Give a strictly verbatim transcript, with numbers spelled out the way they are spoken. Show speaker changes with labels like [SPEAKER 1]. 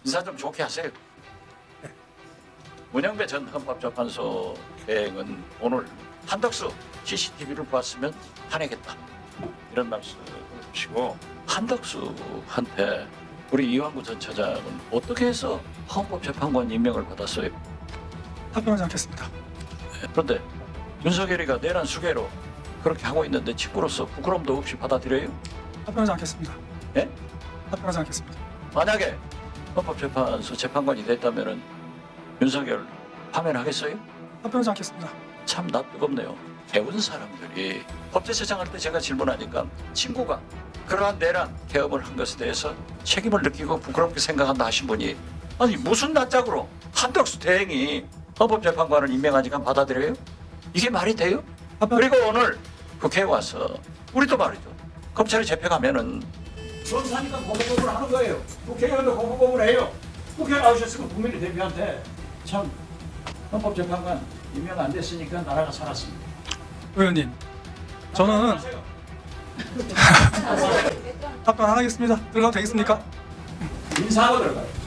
[SPEAKER 1] 인사 좀 좋게 하세요. 문영배 전 헌법재판소 대행은 오늘 한덕수 씨씨티비를 봤으면 화내겠다 이런 말씀을 주시고, 한덕수한테 우리 이완구 전 차장은 어떻게 해서 헌법재판관 임명을 받았어요?
[SPEAKER 2] 답변하지 않겠습니다.
[SPEAKER 1] 그런데 윤석열이가 내란 수개로 그렇게 하고 있는데 직구로서 부끄럼도 없이 받아들여요?
[SPEAKER 2] 답변하지 않겠습니다.
[SPEAKER 1] 예?
[SPEAKER 2] 답변하지 않겠습니다.
[SPEAKER 1] 만약에 헌법재판소 재판관이 됐다면은 윤석열 파면하겠어요?
[SPEAKER 2] 답변하지 않겠습니다.
[SPEAKER 1] 참 나 뜨겁네요. 배운 사람들이 법제처장 할 때 제가 질문하니까 친구가 그러한 내란 개업을 한 것에 대해서 책임을 느끼고 부끄럽게 생각한다 하신 분이, 아니 무슨 낯짝으로 한덕수 대행이 헌법재판관을 임명하니까 받아들여요? 이게 말이 돼요?
[SPEAKER 2] 답변.
[SPEAKER 1] 그리고 오늘 국회에 와서 우리도 말이죠. 검찰이 잡혀가면은 전사니까 고소고문을 하는 거예요. 국회의원도 고소고문을 해요. 국회에 나오셨으면 국민의 대표한테 참 헌법재판관 임명 안 됐으니까 나라가 살았습니다.
[SPEAKER 2] 의원님, 저는 답변 안 하겠습니다. 들어가도 되겠습니까?
[SPEAKER 1] 인사하고 들어가요.